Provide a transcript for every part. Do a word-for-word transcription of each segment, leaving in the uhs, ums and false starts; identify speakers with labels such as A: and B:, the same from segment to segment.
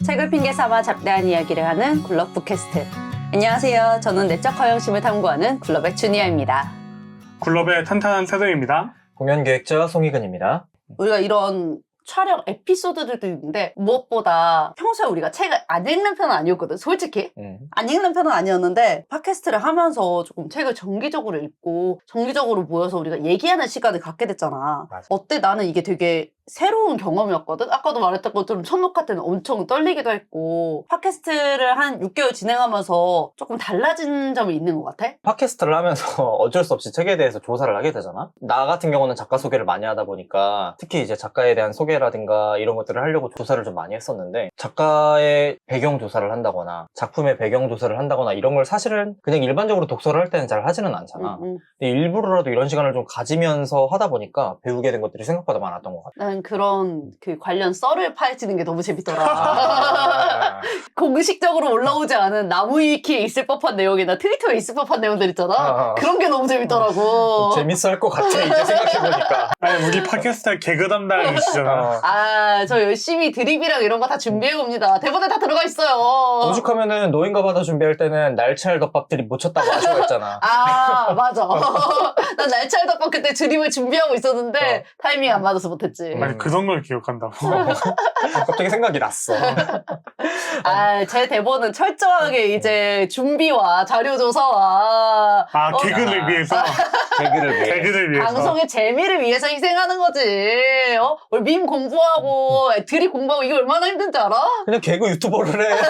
A: 책을 핑계 삼아 잡다한 이야기를 하는 굴럽 북캐스트. 안녕하세요. 저는 내적 허영심을 탐구하는 굴럽의 주니아입니다.
B: 굴럽의 탄탄한 세동입니다.
C: 공연기획자 송희근입니다.
A: 우리가 이런 촬영 에피소드들도 있는데 무엇보다 평소에 우리가 책을 안 읽는 편은 아니었거든, 솔직히.
C: 음.
A: 안 읽는 편은 아니었는데 팟캐스트를 하면서 조금 책을 정기적으로 읽고 정기적으로 모여서 우리가 얘기하는 시간을 갖게 됐잖아.
C: 맞아.
A: 어때? 나는 이게 되게 새로운 경험이었거든. 아까도 말했던 것처럼 첫 녹화 때는 엄청 떨리기도 했고 팟캐스트를 한 육 개월 진행하면서 조금 달라진 점이 있는 것 같아.
C: 팟캐스트를 하면서 어쩔 수 없이 책에 대해서 조사를 하게 되잖아. 나 같은 경우는 작가 소개를 많이 하다 보니까 특히 이제 작가에 대한 소개라든가 이런 것들을 하려고 조사를 좀 많이 했었는데, 작가의 배경 조사를 한다거나 작품의 배경 조사를 한다거나 이런 걸 사실은 그냥 일반적으로 독서를 할 때는 잘 하지는 않잖아.
A: 응, 응.
C: 근데 일부러라도 이런 시간을 좀 가지면서 하다 보니까 배우게 된 것들이 생각보다 많았던 것 같아.
A: 난 그런 그 관련 썰을 파헤치는 게 너무 재밌더라.
C: 아,
A: 공식적으로 올라오지 않은 나무위키에 있을 법한 내용이나 트위터에 있을 법한 내용들 있잖아.
C: 아.
A: 그런 게 너무 재밌더라고.
C: 재밌어 할 것 같아, 이제 생각해보니까.
B: 아니, 우리 팟캐스트 개그 담당이시잖아.
C: 어.
A: 아, 저 열심히 드립이랑 이런 거 다 준비해봅니다. 대본에 다 들어가 있어요.
C: 오죽하면은 노인과 바다 준비할 때는 날치알 덮밥 드립 못 쳤다고 아쉬워했잖아.
A: 아, 맞아. 난 날치알 덮밥 그때 드립을 준비하고 있었는데
C: 어.
A: 타이밍 안 맞아서 못했지.
B: 아니, 그 정도를 기억한다고.
C: 갑자기 생각이 났어.
A: 아, 제 대본은 철저하게 이제 준비와 자료 조사와
B: 아,
A: 어,
B: 개그를
C: 아.
B: 위해서.
C: 개그를 위해.
B: 개그를 위해서.
A: 방송의 재미를 위해서 희생하는 거지. 어? 우리 밈 공부하고 드립 공부하고 이게 얼마나 힘든지 알아?
C: 그냥 개그 유튜버를 해.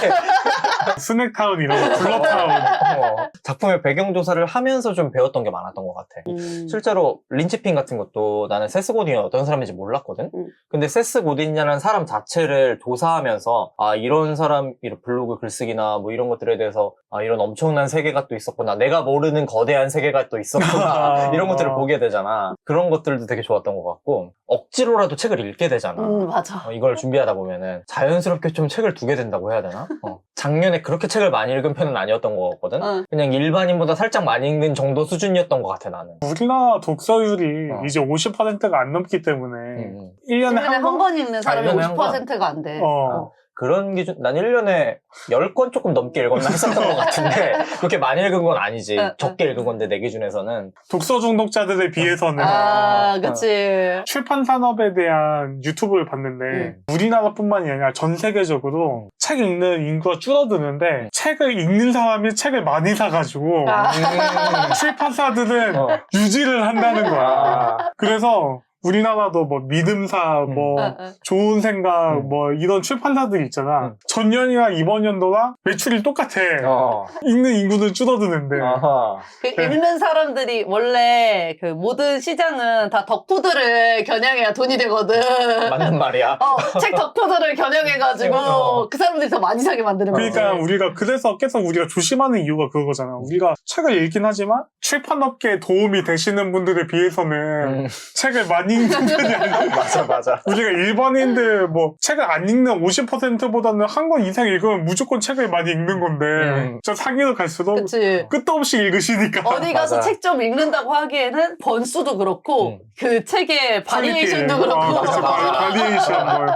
B: 스낵타운 이런 거, 굴럽타운.
C: 어. 작품의 배경 조사를 하면서 좀 배웠던 게 많았던 것 같아.
A: 음.
C: 실제로 린치핀 같은 것도 나는 세스 고딘이 어떤 사람인지 몰랐거든.
A: 음.
C: 근데 세스 고딘이라는 사람 자체를 조사하면서 아, 이런 사람 이런 블로그 글쓰기나 뭐 이런 것들에 대해서 아, 이런 엄청난 세계가 또 있었구나, 내가 모르는 거대한 세계가 또 있었구나 이런 것들을 보게 되잖아. 그런 것들도 되게 좋았던 것 같고, 억지로라도 책을 읽게 되잖아.
A: 음, 맞아.
C: 어, 이걸 준비하다 보면은 자연스럽게 좀 책을 두게 된다고 해야 되나? 어. 작년에 그렇게 책을 많이 읽은 편은 아니었던 것 같거든.
A: 어.
C: 그냥 일반인보다 살짝 많이 읽는 정도 수준이었던 것 같아, 나는.
B: 우리나라 독서율이
C: 어.
B: 이제 오십 퍼센트가 안 넘기 때문에
C: 음.
B: 일 년에
A: 일년에
B: 한
A: 한
B: 번?
A: 권 읽는 사람이
C: 아, 일년에 한
A: 오십 퍼센트가 안 돼.
B: 어.
A: 어.
C: 그런 기준, 난 일 년에 십 권 조금 넘게 읽었나 했었던 것 같은데, 그렇게 많이 읽은 건 아니지.
A: 어, 어.
C: 적게 읽은 건데, 내 기준에서는.
B: 독서 중독자들에 비해서는
A: 아,
C: 어.
A: 그치.
B: 출판 산업에 대한 유튜브를 봤는데
A: 음.
B: 우리나라뿐만이 아니라 전 세계적으로 책 읽는 인구가 줄어드는데 책을 읽는 사람이 책을 많이 사가지고
A: 아.
C: 음.
B: 출판사들은
C: 어.
B: 유지를 한다는 거야.
C: 아.
B: 그래서 우리나라도 뭐 믿음사,
C: 음.
B: 뭐
A: 어, 어.
B: 좋은 생각,
C: 음.
B: 뭐 이런 출판사들이 있잖아.
C: 음.
B: 전년이랑 이번 연도랑 매출이 똑같아.
C: 어.
B: 읽는 인구는 줄어드는데.
C: 아하.
A: 그 읽는 사람들이 원래 그 모든 시장은 다 덕후들을 겨냥해야 돈이 되거든.
C: 맞는 말이야.
A: 어, 책 덕후들을 겨냥해가지고
C: 어.
A: 그 사람들이 더 많이 사게 만드는 거지.
B: 그러니까 우리가 그래서 계속 우리가 조심하는 이유가 그거잖아. 우리가 책을 읽긴 하지만 출판업계에 도움이 되시는 분들에 비해서는
C: 음.
B: 책을 많이 읽는 편이 아니야.
C: 맞아, 맞아.
B: 우리가 일반인들 뭐 책을 안 읽는 오십 퍼센트보다는 한 권 이상 읽으면 무조건 책을 많이 읽는 건데
C: 음.
B: 저 상위로 갈수록
A: 그치.
B: 끝도 없이 읽으시니까.
A: 어디 가서
C: 맞아.
A: 책 좀 읽는다고 하기에는 번수도 그렇고
C: 음.
A: 그 책의 바리에이션도
B: 퀄리티.
A: 그렇고
B: 어, 맞아,
C: 맞아.
B: 바리에이션 뭐.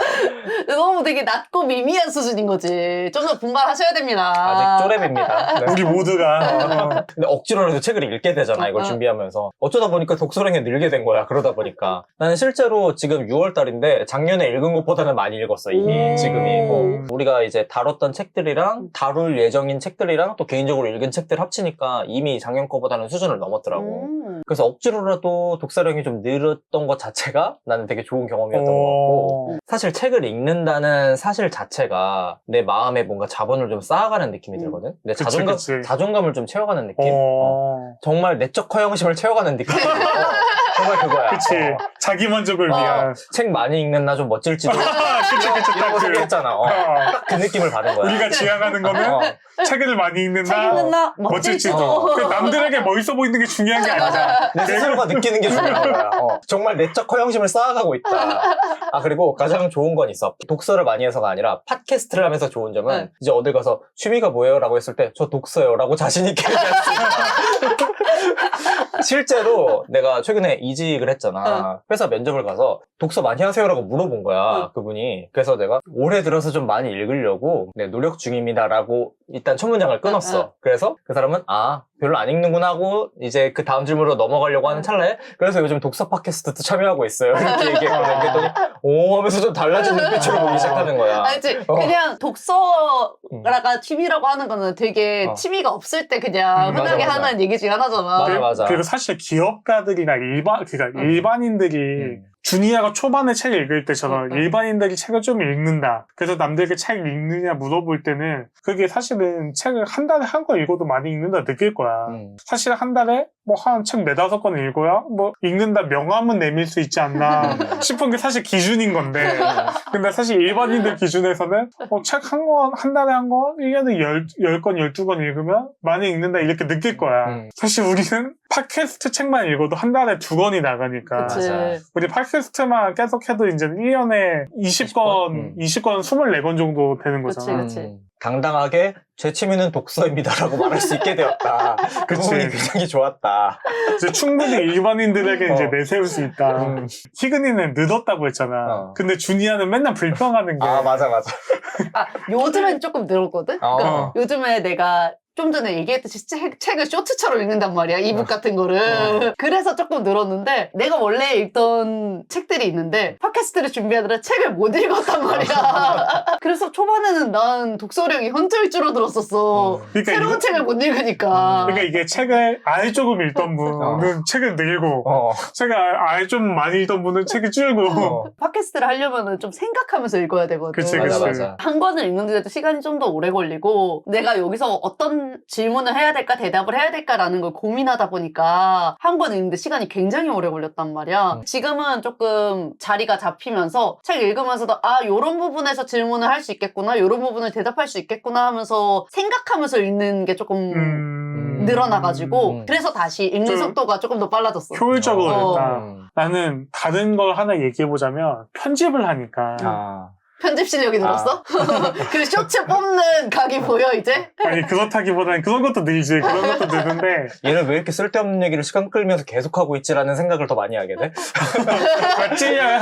A: 너무 되게 낮고 미미한 수준인 거지. 좀 더 분발하셔야 됩니다.
C: 아직 쪼렙입니다. 네.
B: 우리 모두가 어.
C: 근데 억지로라도 책을 읽게 되잖아, 이걸
A: 어.
C: 준비하면서. 어쩌다 보니까 독서량이 늘게 된 거야, 그러다 보니까. 나는 실제로 지금 유월 달인데 작년에 읽은 것보다는 많이 읽었어, 이미.
A: 오.
C: 지금이. 뭐 우리가 이제 다뤘던 책들이랑 다룰 예정인 책들이랑 또 개인적으로 읽은 책들 합치니까 이미 작년 거보다는 수준을 넘었더라고.
A: 음.
C: 그래서 억지로라도 독서량이 좀 늘었던 것 자체가 나는 되게 좋은 경험이었던 것 같고,
B: 어.
C: 사실 책을 읽는다는 사실 자체가 내 마음에 뭔가 자본을 좀 쌓아가는 느낌이
A: 음.
C: 들거든? 내
B: 그치,
C: 자존감,
B: 그치.
C: 자존감을 좀 채워가는 느낌? 어.
B: 어.
C: 정말 내적 허영심을 채워가는 느낌. 어, 정말 그거야.
B: 그치.
C: 어.
B: 자기 만족을
A: 어.
B: 위한.
C: 책 많이 읽는 나 좀 멋질지도.
B: 그치, 그치,
C: 이런 거
B: 딱 그.
C: 소개했잖아. 어.
B: 어.
C: 딱 그 느낌을 받은 거야.
B: 우리가 지향하는 거는
C: 어.
B: 책을 많이 읽는
A: 책
B: 나,
A: 읽는 나
B: 멋질지도.
A: 멋질지도.
C: 어.
B: 그 남들에게 멋있어 보이는 게 중요한 게 아니야.
C: 내 스스로가 느끼는 게 중요한 거야. 어. 정말 내적 허영심을 쌓아가고 있다. 아, 그리고 가장 좋은 건 있어. 독서를 많이 해서가 아니라 팟캐스트를 하면서 좋은 점은
A: 네.
C: 이제 어딜 가서 취미가 뭐예요? 라고 했을 때 저 독서요. 라고 자신있게 얘기할 수 있다. 실제로 내가 최근에 이직을 했잖아. 회사 면접을 가서 독서 많이 하세요라고 물어본 거야.
A: 응.
C: 그분이. 했더니 그래서 내가 올해 들어서 좀 많이 읽으려고 네, 노력 중입니다라고 일단 첫 문장을 끊었어.
A: 응, 응.
C: 그래서 그 사람은 아 별로 안 읽는구나 하고 이제 그 다음 질문으로 넘어가려고 하는
A: 응.
C: 찰나에 그래서 요즘 독서 팟캐스트도 참여하고 있어요. 이렇게 얘기했거든. 그랬더니 오 하면서 좀 달라진 눈빛으로 보기 시작하는 거야.
A: 알지?
C: 어.
A: 그냥 독서가 취미라고 하는 거는 되게
C: 어.
A: 취미가 없을 때 그냥
B: 음,
A: 흔하게
C: 맞아, 맞아.
A: 하는 얘기 중에 하나잖아.
C: 맞아,
B: 그리고-
C: 맞아.
B: 그리고 사실 기업가들이나 일반, 그러니까
A: 음.
B: 일반인들이
C: 음.
B: 주니어가 초반에 책을 읽을 때처럼
A: 음, 음.
B: 일반인들이 책을 좀 읽는다. 그래서 남들에게 책 읽느냐 물어볼 때는 그게 사실은 책을 한 달에 한 권 읽어도 많이 읽는다 느낄 거야.
C: 음.
B: 사실 한 달에 뭐 한 책 네다섯 권 읽어야 뭐 읽는다 명함은 내밀 수 있지 않나 싶은 게 사실 기준인 건데 근데 사실 일반인들 기준에서는 어, 책 한 권, 한 달에 한 권, 일 년에 열, 열 권, 열두 권 읽으면 많이 읽는다 이렇게 느낄 거야.
C: 음.
B: 사실 우리는 팟캐스트 책만 읽어도 한 달에 두 권이 나가니까
A: 그치.
C: 맞아.
B: 우리 팟캐스트만 계속 해도 이제 일 년에 이십 권,
C: 음.
B: 이십 권, 이십사 권 정도 되는
A: 그치,
B: 거잖아.
A: 그치.
C: 음, 당당하게 제 취미는 독서입니다라고 말할 수 있게 되었다. 그
B: 그치.
C: 부분이 굉장히 좋았다.
B: 이제 충분히 일반인들에게
C: 어.
B: 이제 내세울 수 있다.
C: 음.
B: 희근이는 늦었다고 했잖아.
C: 어.
B: 근데 준이야는 맨날 불평하는 게.
C: 아 맞아 맞아.
A: 아, 요즘엔 조금 늘었거든? 그러니까
B: 어.
A: 요즘에 내가 좀 전에 얘기했듯이 책, 책을 쇼트처럼 읽는단 말이야. 이북 같은 거를.
C: 어.
A: 그래서 조금 늘었는데 내가 원래 읽던 책들이 있는데 팟캐스트를 준비하느라 책을 못 읽었단 말이야. 그래서 초반에는 난 독서량이 현저히 줄어들었었어.
B: 그러니까
A: 새로운
B: 이거-
A: 책을 못 읽으니까.
B: 그러니까 이게 책을 아예 조금 읽던 분은 책을 늘고,
C: 어.
B: 책을 아예 좀 많이 읽던 분은 책이 줄고.
C: 어.
A: 팟캐스트를 하려면 좀 생각하면서 읽어야 되거든.
B: 그치,
C: 맞아
B: 그치.
C: 맞아.
A: 한 권을 읽는데도 시간이 좀 더 오래 걸리고 내가 여기서 어떤 질문을 해야 될까 대답을 해야 될까라는 걸 고민하다 보니까 한 권 읽는데 시간이 굉장히 오래 걸렸단 말이야.
C: 음.
A: 지금은 조금 자리가 잡히면서 책 읽으면서도 아 요런 부분에서 질문을 할 수 있겠구나 요런 부분을 대답할 수 있겠구나 하면서 생각하면서 읽는 게 조금
B: 음...
A: 늘어나가지고
C: 음.
A: 그래서 다시 읽는
B: 좀
A: 속도가 조금 더 빨라졌어.
B: 효율적으로
A: 어.
B: 됐다.
C: 음.
B: 나는 다른 걸 하나 얘기해보자면 편집을 하니까.
C: 아.
A: 편집 실력이 늘었어? 그 쇼츠 뽑는 각이 보여 이제?
B: 아니, 그렇다기보다는 그런 것도 늘지. 그런 것도 늘는데.
C: 얘는 왜 이렇게 쓸데없는 얘기를 시간 끌면서 계속하고 있지라는 생각을 더 많이 하게 돼?
B: 아, 찔려요.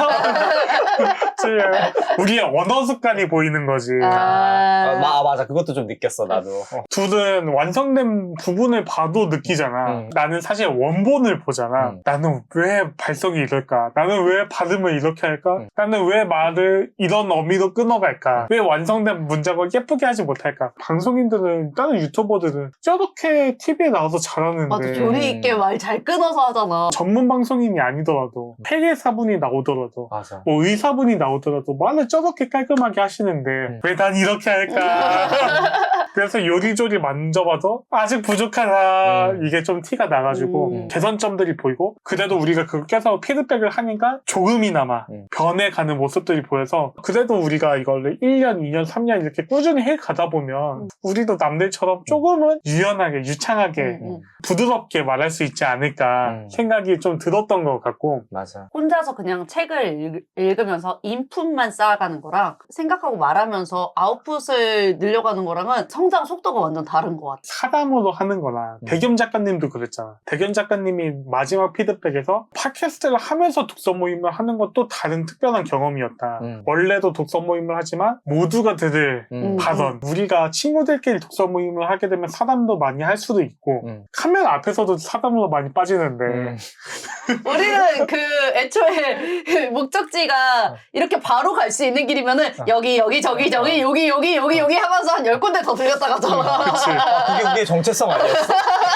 B: 찔려요. 우리의 언어 습관이 보이는 거지.
A: 아.
C: 아, 마, 맞아. 그것도 좀 느꼈어, 나도. 어.
B: 둘은 완성된 부분을 봐도 느끼잖아.
C: 음.
B: 나는 사실 원본을 보잖아.
C: 음.
B: 나는 왜 발성이 이럴까? 나는 왜 발음을 이렇게 할까?
C: 음.
B: 나는 왜 말을 이런 어미로 끊어갈까? 왜 완성된 문장을 예쁘게 하지 못할까? 방송인들은, 다른 유튜버들은 저렇게 티비에 나와서 잘하는데.
A: 맞아 조리 있게 말 잘 끊어서 하잖아.
B: 전문 방송인이 아니더라도, 회계사분이 나오더라도,
C: 맞아.
B: 뭐 의사분이 나오더라도 말을 저렇게 깔끔하게 하시는데
C: 음.
B: 왜 난 이렇게 할까? 그래서 요리조리 만져봐도 아직 부족하다.
C: 음.
B: 이게 좀 티가 나가지고
A: 음.
B: 개선점들이 보이고 그래도 우리가 그걸 계속 피드백을 하니까 조금이나마
C: 음.
B: 변해가는 모습들이 보여서 그래도 우리가 이걸 일 년, 이 년, 삼 년 이렇게 꾸준히 해가다 보면
A: 음.
B: 우리도 남들처럼 조금은 유연하게, 유창하게,
A: 음, 음.
B: 부드럽게 말할 수 있지 않을까
C: 음.
B: 생각이 좀 들었던 것 같고
C: 맞아.
A: 혼자서 그냥 책을 읽, 읽으면서 인풋만 쌓아가는 거랑 생각하고 말하면서 아웃풋을 늘려가는 거랑은 성장 속도가 완전 다른 것 같아.
B: 사담으로 하는 거나
C: 음.
B: 대겸 작가님도 그랬잖아. 대겸 작가님이 마지막 피드백에서 팟캐스트를 하면서 독서 모임을 하는 것도 다른 특별한 경험이었다.
C: 음.
B: 원래도 독서 모임을 하지만 모두가 들을
C: 음.
B: 발언. 우리가 친구들끼리 독서 모임을 하게 되면 사담도 많이 할 수도 있고
C: 음.
B: 카메라 앞에서도 사담으로 많이 빠지는데
C: 음.
A: 우리는 그 애초에 목적지가 이렇게 바로 갈 수 있는 길이면은 여기 여기 저기 저기 여기 여기 여기 여기 하면서 한 열 군데 더 들렸다 가잖아.
B: 그치.
C: 아, 그게 우리의 정체성 아니었어?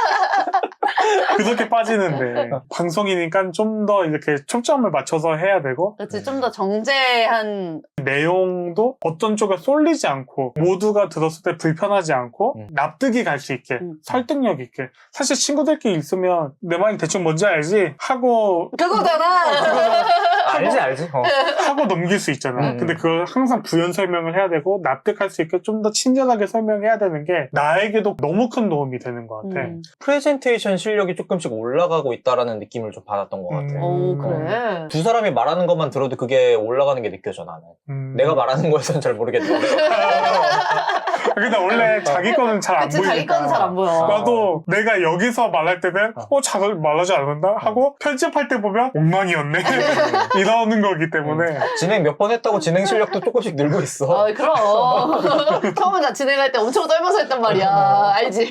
B: 그렇게 빠지는데 방송이니까 좀 더 이렇게 초점을 맞춰서 해야 되고
A: 그렇지 좀 더 정제한
B: 내용도 어떤 쪽에 쏠리지 않고 모두가 들었을 때 불편하지 않고
C: 음.
B: 납득이 갈 수 있게
A: 음.
B: 설득력 있게 사실 친구들끼리 있으면 내 말이 대충 뭔지 알지? 하고
A: 그거잖아.
C: 알지, 알지. 어.
B: 하고 넘길 수 있잖아.
C: 음.
B: 근데 그걸 항상 부연 설명을 해야 되고 납득할 수 있게 좀 더 친절하게 설명해야 되는 게 나에게도 너무 큰 도움이 되는 것 같아.
A: 음.
C: 프레젠테이션 실력이 조금씩 올라가고 있다라는 느낌을 좀 받았던 것 같아.
B: 음.
A: 오 그래.
C: 두 사람이 말하는 것만 들어도 그게 올라가는 게 느껴져, 나는.
B: 음.
C: 내가 말하는 거에서는 잘 모르겠는데.
B: 근데 원래 자기 거는 잘 안
A: 그치
B: 보이니까.
A: 자기 거는 잘 안 보여.
B: 나도 내가 여기서 말할 때는 어, 잘 말하지 않는다 하고 편집할 때 보면 엉망이었네 들어오는 거기 때문에
C: 진행 몇 번 했다고 진행 실력도 조금씩 늘고 있어.
A: 아, 그럼. 처음에 나 진행할 때 엄청 떨면서 했단 말이야. 알지?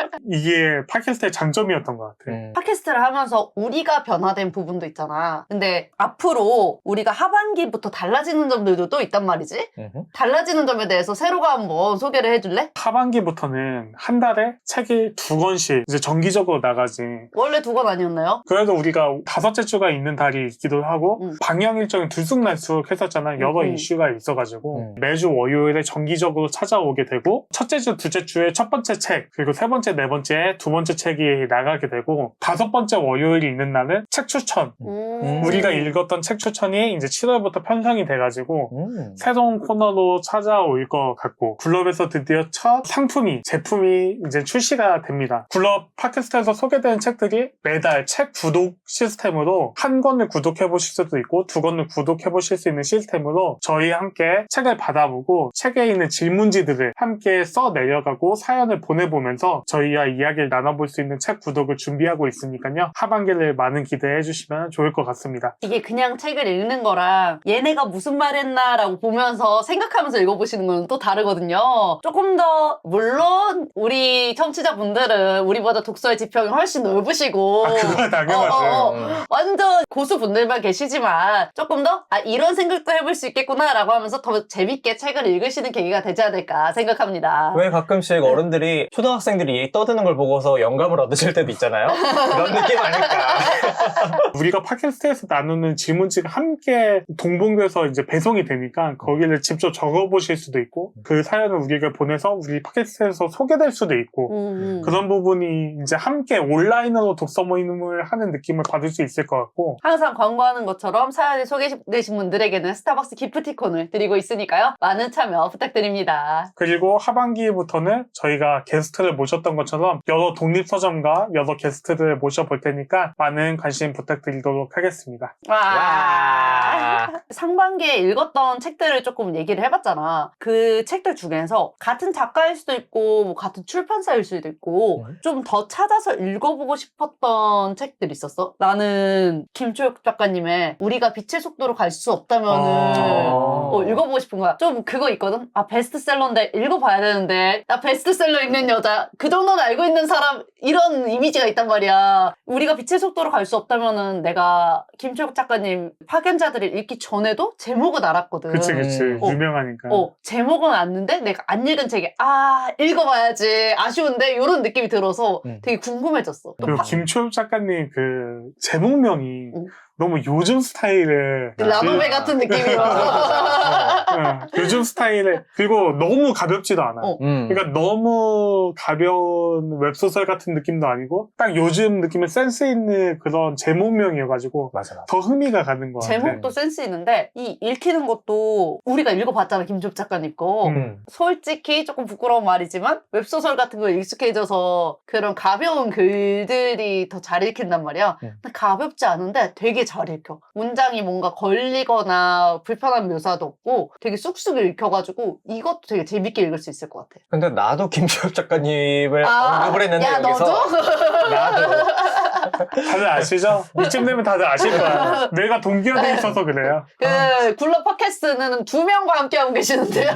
B: 이게 팟캐스트의 장점이었던 것 같아.
C: 음.
A: 팟캐스트를 하면서 우리가 변화된 부분도 있잖아. 근데 앞으로 우리가 하반기부터 달라지는 점들도 또 있단 말이지?
C: 음흠.
A: 달라지는 점에 대해서 세로가 한번 소개를 해줄래?
B: 하반기부터는 한 달에 책이 두 권씩 이제 정기적으로 나가지.
A: 원래 두 권 아니었나요?
B: 그래도 우리가 다섯째 주가 있는 달이 있기도 하고
A: 음.
B: 방영 일정이 들쑥날쑥 했었잖아. 여러
A: 음.
B: 이슈가 있어가지고
C: 음.
B: 매주 월요일에 정기적으로 찾아오게 되고 첫째 주, 둘째 주에 첫 번째 책 그리고 세 번째, 네 번째 두 번째 책이 나가게 되고 다섯 번째 월요일이 있는 날은 책 추천.
A: 음.
B: 우리가 읽었던 책 추천이 이제 칠월부터 편성이 돼가지고
C: 음.
B: 새로운 코너로 찾아올 것 같고 굴럽에서 드디어 첫 상품이 제품이 이제 출시가 됩니다. 굴럽 팟캐스트에서 소개되는 책들이 매달 책 구독 시스템으로 한 권을 구독해 보실 수도 있고 두 권을 구독해 보실 수 있는 시스템으로 저희 함께 책을 받아보고 책에 있는 질문지들을 함께 써 내려가고 사연을 보내보면서 저희와 이야기를 나눠볼 수 있는 책 구독을 준비하고 있으니까요. 하반기를 많은 기대해 주시면 좋을 것 같습니다.
A: 이게 그냥 책을 읽는 거랑 얘네가 무슨 말 했나 라고 보면서 생각하면서 읽어보시는 건 또 다르거든요. 조금 더 물론 우리 청취자분들은 우리보다 독서의 지평이 훨씬 넓으시고
B: 아, 그거 당연하죠.
A: 어, 어, 어.
C: 음.
A: 완전 고수분들만 계시지만 조금 더 아, 이런 생각도 해볼 수 있겠구나 라고 하면서 더 재밌게 책을 읽으시는 계기가 되지 않을까 생각합니다.
C: 왜 가끔씩 어른들이 초등학생들이 떠드는 걸 보고서 영감을 얻으실 때도 있잖아요. 그런 느낌 아닐까.
B: 우리가 팟캐스트에서 나누는 질문지가 함께 동봉돼서 이제 배송이 되니까 거기를 직접 적어보실 수도 있고 그 사연을 우리가 보내서 우리 팟캐스트에서 소개될 수도 있고
A: 음.
B: 그런 부분이 이제 함께 온라인으로 독서 모임을 하는 느낌을 받을 수 있을 것 같고
A: 항상 광고하는 것처럼 사연이 소개되신 분들에게는 스타벅스 기프티콘을 드리고 있으니까요. 많은 참여 부탁드립니다.
B: 그리고 하반기부터는 저희가 게스트를 모셨던 것처럼 여러 독립서점과 여러 게스트를 모셔볼 테니까 많은 관심 부탁드리도록 하겠습니다.
A: 와.
C: 와.
A: 상반기에 읽었던 책들을 조금 얘기를 해봤잖아. 그 책들 중에서 같은 작가일 수도 있고 뭐 같은 출판사일 수도 있고
C: 음.
A: 좀 더 찾아서 읽어보고 싶었던 책들 있었어? 나는 김초혁 작가님의 우리가 빛의 속도로 갈 수 없다면은
B: 아.
A: 어, 읽어보고 싶은 거야. 좀 그거 있거든? 아 베스트셀러인데 읽어봐야 되는데 나 베스트셀러 읽는 여자 그 정도는 알고 있는 사람 이런 이미지가 있단 말이야. 우리가 빛의 속도로 갈 수 없다면은 내가 김초혁 작가님 파견자들을 읽기 전에도 제목은 알았거든.
B: 그치 그치
C: 음.
A: 어.
B: 유명하니까.
A: 어, 제목은 아는데 내가 안 읽은 책이 아 읽어봐야지 아쉬운데 이런 느낌이 들어서
C: 음.
A: 되게 궁금해졌어. 또
B: 그리고
A: 파-
B: 김초엽 작가님 그 제목명이
A: 응.
B: 너무 요즘 스타일의
A: 라노베
B: 그-
A: 같은 느낌이라서
B: 어, 요즘 스타일의 그리고 너무 가볍지도 않아.
A: 어.
C: 음.
B: 그러니까 너무 가벼운 웹소설 같은 느낌도 아니고 딱 요즘 느낌의 센스 있는 그런 제목명이어가지고
C: 맞아, 맞아.
B: 더 흥미가 가는 것 같아.
A: 제목도 센스 있는데 이 읽히는 것도 우리가 읽어봤잖아 김초엽 작가님 거.
B: 음.
A: 솔직히 조금 부끄러운 말이지만 웹소설 같은 거 익숙해져서 그런 가벼운 글들이 더 잘 읽힌단 말이야.
C: 음.
A: 근데 가볍지 않은데 되게 잘 읽혀. 문장이 뭔가 걸리거나 불편한 묘사도 없고 되게 쑥쑥 읽혀가지고 이것도 되게 재밌게 읽을 수 있을 것 같아.
C: 근데 나도 김초엽 작가님을 언급을 했는데
A: 야
C: 여기서
A: 너도?
C: 나도
B: 다들 아시죠? 이쯤 되면 다들 아실 거야. 내가 동기화돼 있어서 그래요.
A: 그 굴러 팟캐스트는 두 명과 함께하고 계시는데요.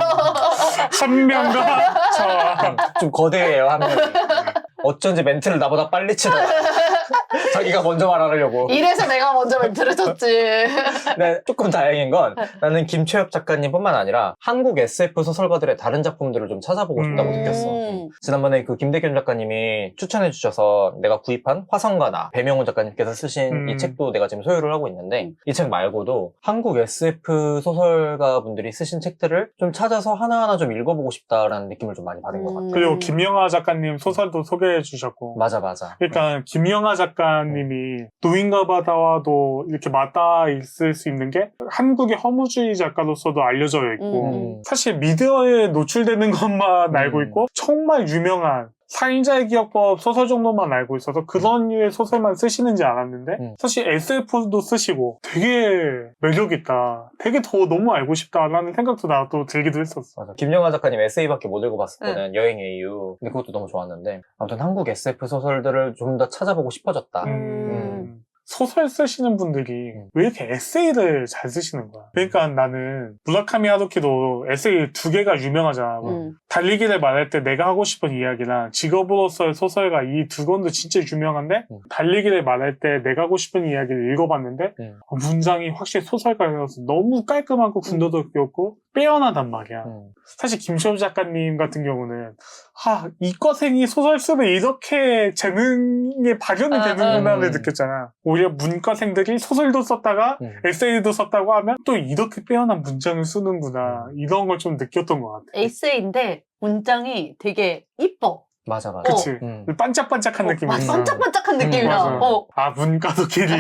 B: 한 명과 저.
C: 좀 거대해요 한 명이. 어쩐지 멘트를 나보다 빨리 치더라. 자기가 먼저 말하려고.
A: 이래서 내가 먼저 멘트를 쳤지.
C: 근데 조금 다행인 건 나는 김초엽 작가님뿐만 아니라 한국 에스에프 소설가들의 다른 작품들을 좀 찾아보고 싶다고
B: 음.
C: 느꼈어. 지난번에 그 김대균 작가님이 추천해 주셔서 내가 구입한 화성과 나, 배명훈 작가님께서 쓰신
B: 음.
C: 이 책도 내가 지금 소유를 하고 있는데 이 책 말고도 한국 에스에프 소설가 분들이 쓰신 책들을 좀 찾아서 하나하나 좀 읽어보고 싶다라는 느낌을 좀 많이 받은 것 같아.
B: 그리고 김영하 작가님 소설도 소개해 주셨고.
C: 맞아 맞아.
B: 그러니까 김영하 작가님이 노인과 바다와도 이렇게 맞닿아 있을 수 있는 게 한국의 허무주의 작가로서도 알려져 있고
C: 음.
B: 사실 미디어에 노출되는 것만
C: 음.
B: 알고 있고 정말 유명한 살인자의 기억법 소설 정도만 알고 있어서 그런 류의 소설만 쓰시는지 알았는데
C: 음.
B: 사실 에스에프도 쓰시고 되게 매력있다. 되게 더 너무 알고 싶다라는 생각도 나도 들기도 했었어.
C: 맞아. 김영하 작가님 에세이밖에 못 읽어봤었거든. 여행의 이유. 근데 그것도 너무 좋았는데 아무튼 한국 에스에프 소설들을 좀 더 찾아보고 싶어졌다.
A: 음.
B: 음. 소설 쓰시는 분들이 왜 이렇게 에세이를 잘 쓰시는 거야. 그러니까 나는 무라카미 하루키도 에세이 두 개가 유명하잖아. 뭐
A: 음.
B: 달리기를 말할 때 내가 하고 싶은 이야기랑 직업으로서의 소설가 이 두 권도 진짜 유명한데
C: 음.
B: 달리기를 말할 때 내가 하고 싶은 이야기를 읽어봤는데
C: 음.
B: 어, 문장이 확실히 소설가여서 너무 깔끔하고 군더더기없고 빼어나단 말이야.
C: 음.
B: 사실 김시호 작가님 같은 경우는 아 이과생이 소설 쓰면 이렇게 재능에 발현이
A: 아,
B: 되는구나를
C: 음.
B: 느꼈잖아. 오히려 문과생들이 소설도 썼다가
C: 음.
B: 에세이도 썼다고 하면 또 이렇게 빼어난 문장을 쓰는구나 이런 걸 좀 느꼈던 것 같아.
A: 에세이인데 문장이 되게 이뻐.
C: 맞아, 맞아.
B: 그치?
C: 음.
B: 반짝반짝한 느낌이
A: 막
B: 있어.
A: 반짝반짝한 느낌이야.
B: 맞아.
A: 어.
B: 아 문과도 길이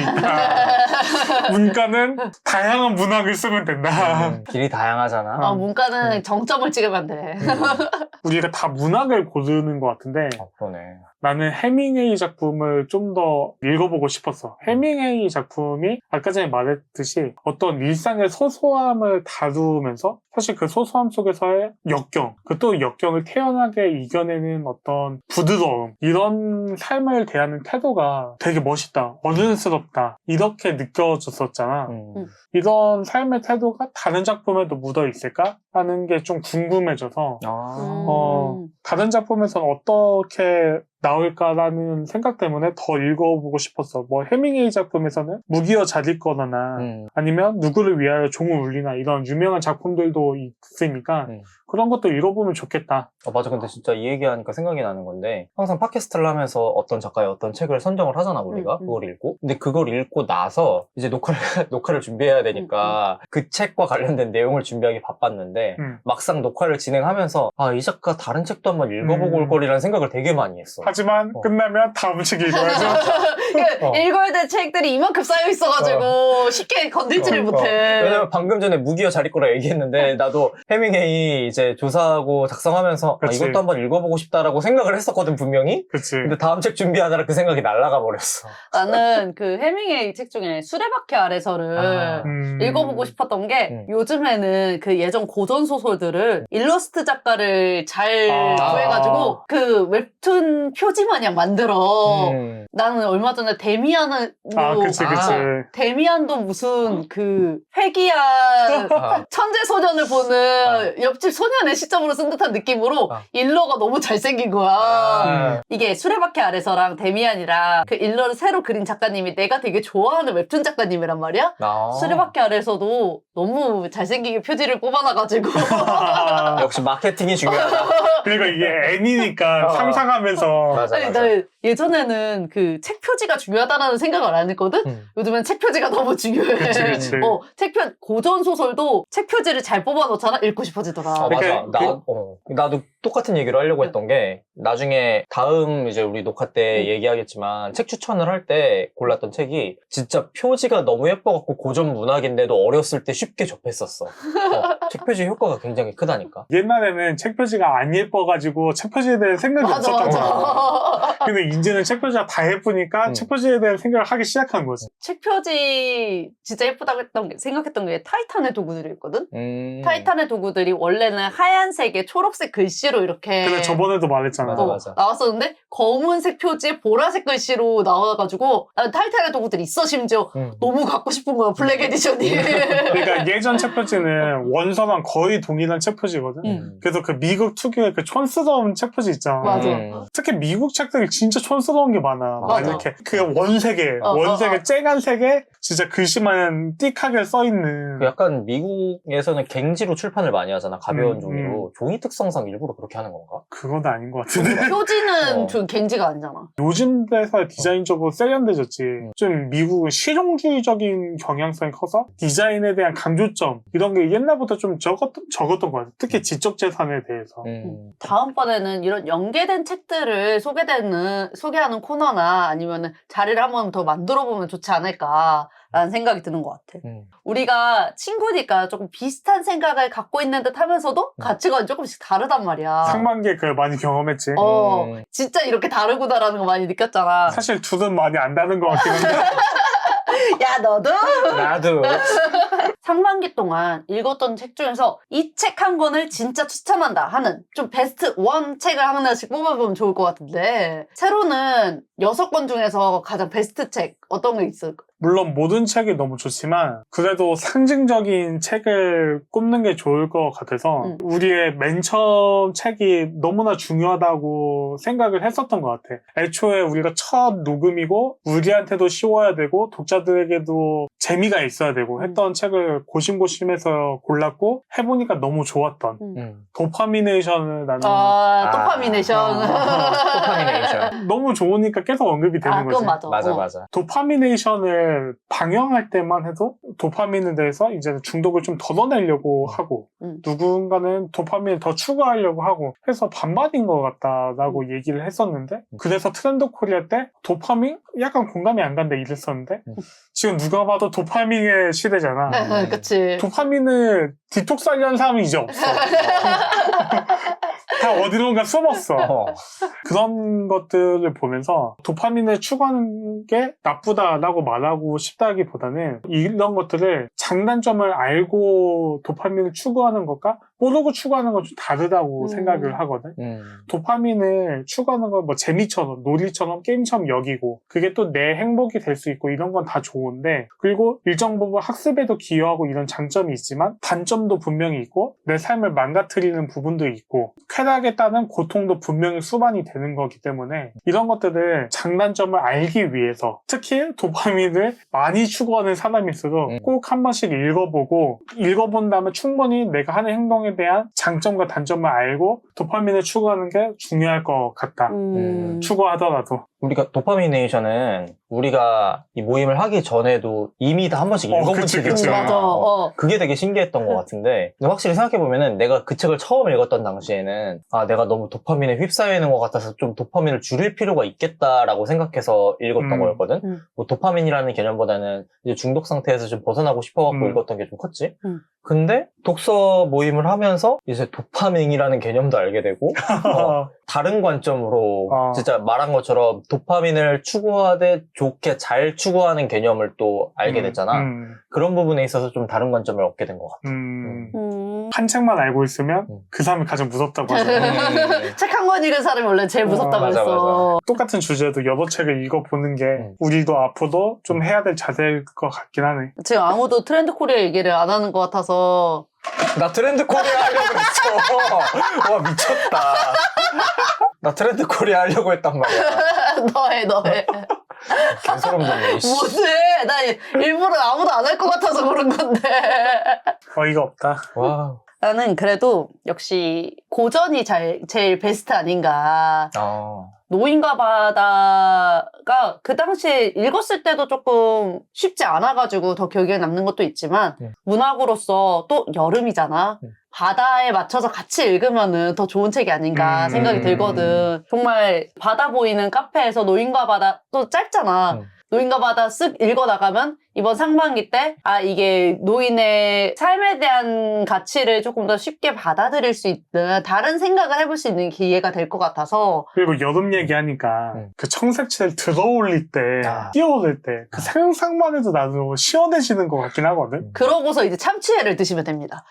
B: 있다. 문과는 다양한 문학을 쓰면 된다.
C: 음, 길이 다양하잖아.
A: 아, 문과는
B: 음.
A: 정점을 찍으면 돼.
C: 음.
B: 우리가 다 문학을 고르는 것 같은데
C: 어, 그러네.
B: 나는 해밍웨이 작품을 좀 더 읽어보고 싶었어. 해밍웨이 작품이 아까 전에 말했듯이 어떤 일상의 소소함을 다루면서 사실 그 소소함 속에서의 역경, 그 또 역경을 태연하게 이겨내는 어떤 부드러움, 이런 삶을 대하는 태도가 되게 멋있다, 어른스럽다, 이렇게 느껴졌었잖아.
C: 음.
A: 음.
B: 이런 삶의 태도가 다른 작품에도 묻어 있을까? 하는 게 좀 궁금해져서
C: 아.
A: 음.
B: 어, 다른 작품에서는 어떻게 나올까라는 생각 때문에 더 읽어보고 싶었어. 뭐 해밍웨이 작품에서는 무기여 잘 읽거나
C: 음.
B: 아니면 누구를 위하여 종을 울리나 이런 유명한 작품들도 있으니까
C: 음.
B: 그런 것도 읽어보면 좋겠다.
C: 어, 맞아. 근데 진짜 이 얘기하니까 생각이 나는 건데, 항상 팟캐스트를 하면서 어떤 작가의 어떤 책을 선정을 하잖아, 우리가.
A: 음, 음.
C: 그걸 읽고. 근데 그걸 읽고 나서, 이제 녹화를, 녹화를 준비해야 되니까, 그 책과 관련된 내용을 준비하기 바빴는데,
B: 음.
C: 막상 녹화를 진행하면서, 아, 이 작가 다른 책도 한번 읽어보고
B: 음.
C: 올 거리라는 생각을 되게 많이 했어.
B: 하지만
C: 어.
B: 끝나면 다음 책 읽어야죠.
A: 그
C: 어.
A: 읽어야 될 책들이 이만큼 쌓여 있어가지고 쉽게 건들지를
C: 어,
A: 못해.
C: 어. 왜냐면 방금 전에 무기여 잘 읽거라 얘기했는데, 나도 해밍웨이 이제 조사하고 작성하면서, 아,
B: 그치.
C: 이것도 한번 읽어보고 싶다라고 생각을 했었거든, 분명히.
B: 그치.
C: 근데 다음 책 준비하느라 그 생각이 날아가 버렸어.
A: 나는 그 해밍웨이 책 중에 수레바퀴 아래서를
C: 아.
B: 음.
A: 읽어보고 싶었던 게
C: 음.
A: 요즘에는 그 예전 고전 소설들을 일러스트 작가를 잘
B: 아.
A: 구해가지고 그 웹툰 표지 마냥 만들어.
C: 음.
A: 나는 얼마 전에 데미안은 뭐
B: 아, 그치, 그치.
C: 아.
A: 데미안도 무슨 그 회귀한
C: 아.
A: 천재 소년을 보는 옆집 소년의 시점으로 쓴 듯한 느낌으로
C: 아.
A: 일러가 너무 잘생긴 거야.
C: 아.
A: 이게 수레바퀴 아래서랑 데미안이랑 그 일러를 새로 그린 작가님이 내가 되게 좋아하는 웹툰 작가님이란 말이야.
C: 아.
A: 수레바퀴 아래서도 너무 잘생기게 표지를 뽑아놔가지고
C: 역시 마케팅이 중요하다.
B: 그러니까 이게 애니니까
C: 어.
B: 상상하면서
C: 맞아,
A: 아니,
C: 맞아.
A: 나 예전에는 그 책 표지가 중요하다는 생각을 안 했거든?
C: 음.
A: 요즘엔 책 표지가 너무 중요해.
B: 그치, 그치.
A: 어, 책 표, 고전 소설도 책 표지를 잘 뽑아놓잖아? 읽고 싶어지더라.
C: 어, 맞아.
B: 그러니까
C: 나, 어, 나도 똑같은 얘기를 하려고 했던 게, 나중에 다음 이제 우리 녹화 때
A: 음.
C: 얘기하겠지만, 책 추천을 할 때 골랐던 책이, 진짜 표지가 너무 예뻐갖고 고전 문학인데도 어렸을 때 쉽게 접했었어. 어, 책 표지 효과가 굉장히 크다니까.
B: 옛날에는 책 표지가 안 예뻐가지고 책 표지에 대한 생각이
A: 맞아,
B: 없었던 거야.
A: 맞아.
B: 근데 이제는 책 표지가 다 예쁘니까
C: 음.
B: 책 표지에 대한 생각을 하기 시작한 거지.
A: 책 표지 진짜 예쁘다고 했던 게, 생각했던 게 타이탄의 도구들이 있거든?
C: 음.
A: 타이탄의 도구들이 원래는 하얀색에 초록색 글씨로 이렇게
B: 근데 저번에도 말했잖아.
C: 맞아,
A: 어,
C: 맞아.
A: 나왔었는데 검은색 표지에 보라색 글씨로 나와가지고 아, 타이탄의 도구들이 있어 심지어
C: 음.
A: 너무 갖고 싶은 거야 블랙 에디션이.
B: 그러니까 예전 책 표지는 원서랑 거의 동일한 책 표지거든.
A: 음.
B: 그래서 그 미국 특유의 그 촌스러운 책 표지 있잖아.
A: 맞아.
C: 음.
B: 특히 미국 책들이 진짜 촌스러운 게 많아. 막
C: 맞아.
B: 이렇게 그 원색에
A: 어,
B: 원색에
A: 어, 어.
B: 쨍한색에 진짜 글씨만 띡하게 써 있는.
C: 그 약간 미국에서는 갱지로 출판을 많이 하잖아. 가벼운
B: 음,
C: 종이로. 종이 특성상 일부러 그렇게 하는 건가?
B: 그건 아닌 것 같은데.
A: 표지는
C: 어.
A: 좀 갱지가 아니잖아.
B: 요즘 대사 디자인적으로 세련돼졌지.
C: 음.
B: 좀 미국은 실용주의적인 경향성이 커서 디자인에 대한 강조점 이런 게 옛날부터 좀 적었던, 적었던 것 같아. 특히 지적재산에 대해서.
C: 음.
A: 다음번에는 이런 연계된 책들을 소개되는 소개하는 코너나 아니면은 자리를 한번 더 만들어 보면 좋지 않을까라는 생각이 드는 것 같아.
C: 음.
A: 우리가 친구니까 조금 비슷한 생각을 갖고 있는 듯 하면서도 가치관이 조금씩 다르단 말이야.
B: 상반기에 그걸 많이 경험했지.
A: 어,
C: 음.
A: 진짜 이렇게 다르구나라는 거 많이 느꼈잖아.
B: 사실 둘은 많이 안 다른 것 같긴 한데.
A: 야, 너도?
C: 나도.
A: 상반기 동안 읽었던 책 중에서 이 책 한 권을 진짜 추천한다 하는 좀 베스트 원 책을 하나씩 뽑아보면 좋을 것 같은데 세로는 여섯 권 중에서 가장 베스트 책 어떤 게 있을까?
B: 물론 모든 책이 너무 좋지만 그래도 상징적인 책을 꼽는 게 좋을 것 같아서
A: 음.
B: 우리의 맨 처음 책이 너무나 중요하다고 생각을 했었던 것 같아. 애초에 우리가 첫 녹음이고 우리한테도 쉬워야 되고 독자들에게도 재미가 있어야 되고 했던
A: 음.
B: 책을 고심고심해서 골랐고 해보니까 너무 좋았던
A: 음.
C: 음.
B: 도파미네이션을 나는
A: 아, 도파미네이션.
B: 아.
C: 도파미네이션.
B: 너무 좋으니까 계속 언급이 되는
A: 아,
B: 거지.
A: 그건 맞아.
C: 맞아
A: 어.
C: 맞아.
B: 도파미네이션을 방영할 때만 해도 도파민에 대해서 이제 중독을 좀 덜어내려고 하고
A: 음.
B: 누군가는 도파민을 더 추구하려고 하고 해서 반반인 것 같다라고
A: 음.
B: 얘기를 했었는데 그래서 트렌드 코리아 때 도파민? 약간 공감이 안 간다 이랬었는데
C: 음.
B: 지금 누가 봐도 도파민의 시대잖아.
A: 네, 그치.
B: 도파민을 디톡스 하려는 사람이 이제 없어. 다 어디론가 숨었어.
C: 어.
B: 그런 것들을 보면서 도파민을 추구하는 게 나쁘다라고 말하고 싶다기보다는 이런 것들을 장단점을 알고 도파민을 추구하는 것과 모르고 추구하는 건 좀 다르다고
A: 음.
B: 생각을 하거든.
C: 음.
B: 도파민을 추구하는 건 뭐 재미처럼 놀이처럼 게임처럼 여기고 그게 또 내 행복이 될 수 있고 이런 건 다 좋은데 그리고 일정 부분 학습에도 기여하고 이런 장점이 있지만 단점도 분명히 있고 내 삶을 망가뜨리는 부분도 있고 쾌락에 따른 고통도 분명히 수반이 되는 거기 때문에 이런 것들을 장단점을 알기 위해서 특히 도파민을 많이 추구하는 사람일수록
C: 음.
B: 꼭 한 번씩 읽어보고 읽어본 다음에 충분히 내가 하는 행동에 대한 장점과 단점을 알고 도파민을 추구하는 게 중요할 것 같다.
A: 음.
B: 추구하더라도.
C: 우리가 도파미네이션은 우리가 이 모임을 하기 전에도 이미 다 한 번씩
B: 어,
C: 읽어본
B: 그치,
A: 음,
B: 그치.
C: 책이었잖아.
A: 맞아. 어.
C: 그게 되게 신기했던 것 같은데 근데 확실히 생각해보면은 내가 그 책을 처음 읽었던 당시에는 아 내가 너무 도파민에 휩싸여 있는 것 같아서 좀 도파민을 줄일 필요가 있겠다라고 생각해서 읽었던
B: 음.
C: 거였거든.
A: 음.
C: 뭐 도파민이라는 개념보다는 이제 중독 상태에서 좀 벗어나고 싶어갖고
B: 음.
C: 읽었던 게 좀 컸지.
A: 음.
C: 근데 독서 모임을 하면서 이제 도파민이라는 개념도 알게 되고 어, 다른 관점으로
B: 어.
C: 진짜 말한 것처럼 도파민을 추구하되 좋게 잘 추구하는 개념을 또 알게
B: 음,
C: 됐잖아.
B: 음,
C: 그런 부분에 있어서 좀 다른 관점을 얻게 된 것 같아.
B: 음.
A: 음.
B: 한 책만 알고 있으면
C: 음.
B: 그 사람이 가장 무섭다고 하잖아.
A: 책 한 권 읽은 사람이 원래 제일 무섭다고
B: 어,
C: 맞아,
A: 했어.
B: 똑같은 주제도 여러 책을 읽어보는 게
C: 음.
B: 우리도 앞으로 좀 해야 될 자세일 것 같긴 하네.
A: 지금 아무도 트렌드 코리아 얘기를 안 하는 것 같아서
C: 나 트렌드 코리아 하려고 했어. 와 미쳤다. 나 트렌드 코리아 하려고 했단 말이야.
A: 너해 너해.
C: 개소름 돋네. 이씨.
A: 못해. 나 일부러 아무도 안 할 것 같아서 그런 건데.
B: 어이가 없다.
C: 와.
A: 나는 그래도 역시 고전이 잘, 제일 베스트 아닌가.
C: 아.
A: 노인과 바다가 그 당시에 읽었을 때도 조금 쉽지 않아가지고 더 기억에 남는 것도 있지만
C: 음.
A: 문학으로서 또 여름이잖아.
C: 음.
A: 바다에 맞춰서 같이 읽으면은 더 좋은 책이 아닌가
B: 음.
A: 생각이 들거든. 정말 바다 보이는 카페에서 노인과 바다 또 짧잖아.
C: 음.
A: 노인과 바다 쓱 읽어나가면 이번 상반기 때 아 이게 노인의 삶에 대한 가치를 조금 더 쉽게 받아들일 수 있는 다른 생각을 해볼 수 있는 기회가 될 것 같아서
B: 그리고 여름 얘기하니까
C: 음.
B: 그 청색채를 들어올릴 때,
C: 아.
B: 뛰어오를 때 그
C: 아.
B: 상상만 해도 나도 시원해지는 것 같긴 하거든.
A: 그러고서 이제 참치회를 드시면 됩니다.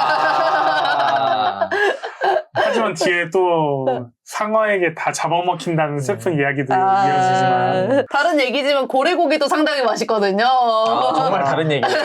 C: 아.
B: 하지만 뒤에 또 상어에게 다 잡아먹힌다는 슬픈
C: 음.
B: 이야기도
A: 아,
B: 이어지지만
A: 다른 얘기지만 고래고기도 상당히 맛있거든요.
C: 아, 정말 다른 얘기네요.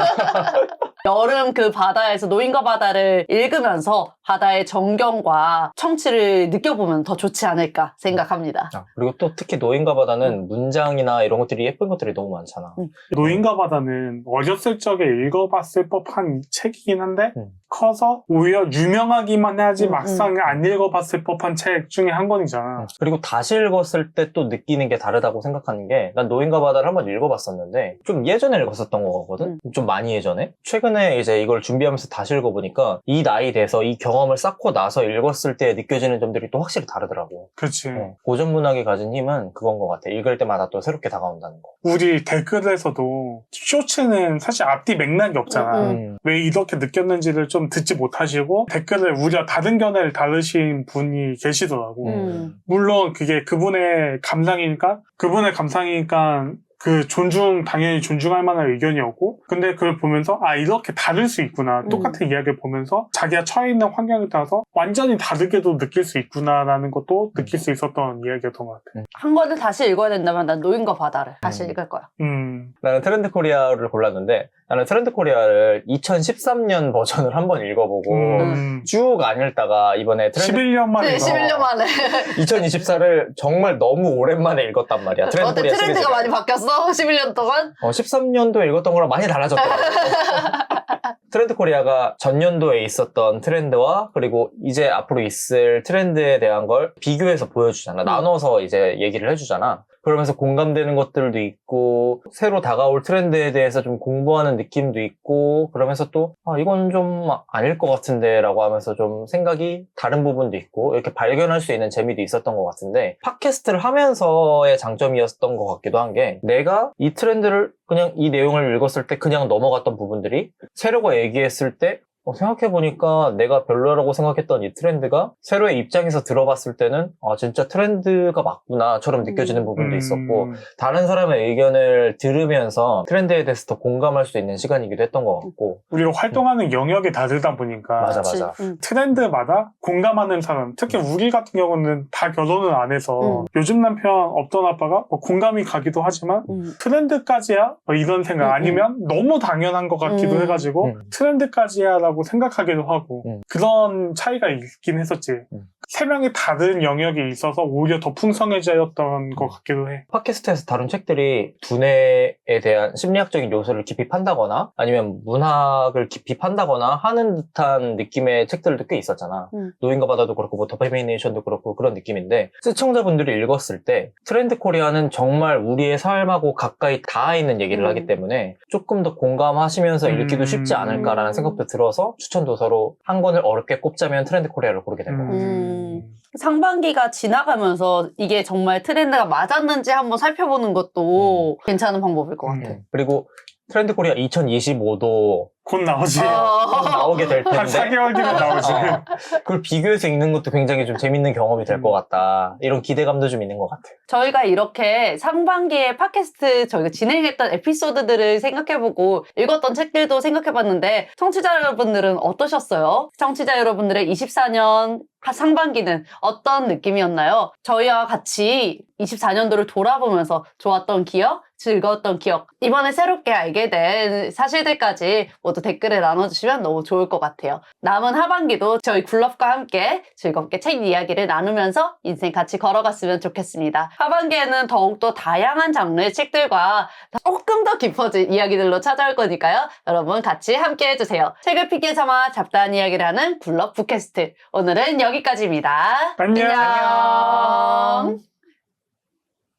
A: 여름 그 바다에서 노인과 바다를 읽으면서 바다의 정경과 청취를 느껴보면 더 좋지 않을까 생각합니다.
C: 아, 그리고 또 특히 노인과 바다는 문장이나 이런 것들이 예쁜 것들이 너무 많잖아.
A: 음.
B: 노인과 바다는 어렸을 적에 읽어봤을 법한 책이긴 한데
C: 음.
B: 커서 오히려 유명하기만 하지
A: 음,
B: 막상 안 읽어봤을 법한 책 중에 한 권이잖아.
C: 그리고 다시 읽었을 때 또 느끼는 게 다르다고 생각하는 게 난 노인과 바다를 한번 읽어봤었는데 좀 예전에 읽었었던 거거든? 좀 많이 예전에? 최근에 이제 이걸 준비하면서 다시 읽어보니까 이 나이 돼서 이 경험을 쌓고 나서 읽었을 때 느껴지는 점들이 또 확실히 다르더라고.
B: 그렇지.
C: 어, 고전 문학이 가진 힘은 그건 것 같아. 읽을 때마다 또 새롭게 다가온다는 거.
B: 우리 댓글에서도 쇼츠는 사실 앞뒤 맥락이 없잖아.
A: 음,
C: 음.
B: 왜 이렇게 느꼈는지를 좀 듣지 못하시고 댓글을 우리와 다른 견해를 다루신 분이 계시더라고.
A: 음.
B: 물론 그게 그분의 감상이니까 그분의 감상이니까 그 존중 당연히 존중할 만한 의견이었고 근데 그걸 보면서 아 이렇게 다를 수 있구나 똑같은 이야기를 보면서 자기가 처해 있는 환경에 따라서 완전히 다르게도 느낄 수 있구나라는 것도 느낄 수 있었던 이야기였던 것 같아.
A: 한 권을 다시 읽어야 된다면 난 노인과 바다를 다시
C: 음.
A: 읽을 거야.
B: 음,
C: 나는 트렌드 코리아를 골랐는데 나는 트렌드 코리아를 이천십삼 년 버전을 한번 읽어보고
B: 음.
C: 쭉 안 읽다가 이번에 트렌드
B: 십일 년 만에
A: 네,
B: 이거.
A: 십일 년 만에.
C: 이천이십사를 정말 너무 오랜만에 읽었단 말이야. 트렌드
A: 어때?
C: 코리아
A: 트렌드가
C: 시리즈가.
A: 많이 바뀌었어? 십일 년 동안?
C: 어, 십삼 년도에 읽었던 거랑 많이 달라졌더라고. 트렌드 코리아가 전년도에 있었던 트렌드와 그리고 이제 앞으로 있을 트렌드에 대한 걸 비교해서 보여주잖아.
A: 음.
C: 나눠서 이제 얘기를 해주잖아. 그러면서 공감되는 것들도 있고 새로 다가올 트렌드에 대해서 좀 공부하는 느낌도 있고 그러면서 또 아, 이건 좀 아닐 것 같은데 라고 하면서 좀 생각이 다른 부분도 있고 이렇게 발견할 수 있는 재미도 있었던 것 같은데 팟캐스트를 하면서의 장점이었던 것 같기도 한 게 내가 이 트렌드를 그냥 이 내용을 읽었을 때 그냥 넘어갔던 부분들이 세로가 얘기했을 때 어, 생각해보니까 내가 별로라고 생각했던 이 트렌드가 세로의 입장에서 들어봤을 때는 아 진짜 트렌드가 맞구나처럼 느껴지는 부분도 있었고
B: 음,
C: 다른 사람의 의견을 들으면서 트렌드에 대해서 더 공감할 수 있는 시간이기도 했던 것 같고
B: 우리가 활동하는 영역이 다르다 보니까
C: 맞아
A: 그치?
C: 맞아
A: 응.
B: 트렌드마다 공감하는 사람 특히 우리 같은 경우는 다 결혼을 안 해서
A: 음.
B: 요즘 남편 없던 아빠가 뭐 공감이 가기도 하지만
A: 응.
B: 트렌드까지야? 뭐 이런 생각
A: 음,
B: 아니면 너무 당연한 것 같기도
A: 음.
B: 해가지고
C: 음.
B: 트렌드까지야 라고 생각하기도 하고
C: 음.
B: 그런 차이가 있긴 했었지.
C: 음.
B: 세 명이 다른 영역이 있어서 오히려 더 풍성해졌던 것 같기도 해.
C: 팟캐스트에서 다룬 책들이 두뇌에 대한 심리학적인 요소를 깊이 판다거나 아니면 문학을 깊이 판다거나 하는 듯한 느낌의 책들도 꽤 있었잖아.
A: 음.
C: 노인과 바다도 그렇고 뭐 더페미네이션도 그렇고 그런 느낌인데 시청자분들이 읽었을 때 트렌드 코리아는 정말 우리의 삶하고 가까이 닿아 있는 얘기를
A: 음.
C: 하기 때문에 조금 더 공감하시면서
B: 음.
C: 읽기도 쉽지 않을까라는
A: 음.
C: 생각도 들어서 추천 도서로 한 권을 어렵게 꼽자면 트렌드 코리아를 고르게 된 것 같아요.
A: 음. 상반기가 지나가면서 이게 정말 트렌드가 맞았는지 한번 살펴보는 것도 괜찮은 방법일 것 같아.
B: 음.
C: 그리고 트렌드 코리아 이천이십오도
B: 곧 나오지.
A: 어.
C: 나오게 될 텐데
B: 한 사 개월 뒤면 나오지.
C: 어, 그걸 비교해서 읽는 것도 굉장히 좀 재밌는 경험이 될 것 같다. 이런 기대감도 좀 있는 것 같아요.
A: 저희가 이렇게 상반기에 팟캐스트 저희가 진행했던 에피소드들을 생각해보고 읽었던 책들도 생각해봤는데 청취자 여러분들은 어떠셨어요? 청취자 여러분들의 이십사 년 상반기는 어떤 느낌이었나요? 저희와 같이 이십사 년도를 돌아보면서 좋았던 기억, 즐거웠던 기억, 이번에 새롭게 알게 된 사실들까지 모두 댓글에 나눠주시면 너무 좋을 것 같아요. 남은 하반기도 저희 굴럽과 함께 즐겁게 책 이야기를 나누면서 인생 같이 걸어갔으면 좋겠습니다. 하반기에는 더욱더 다양한 장르의 책들과 조금 더 깊어진 이야기들로 찾아올 거니까요. 여러분 같이 함께 해주세요. 책을 픽에 삼아 잡다한 이야기를 하는 굴럽 팟캐스트. 오늘은 여기까지입니다.
B: 안녕.
A: 안녕.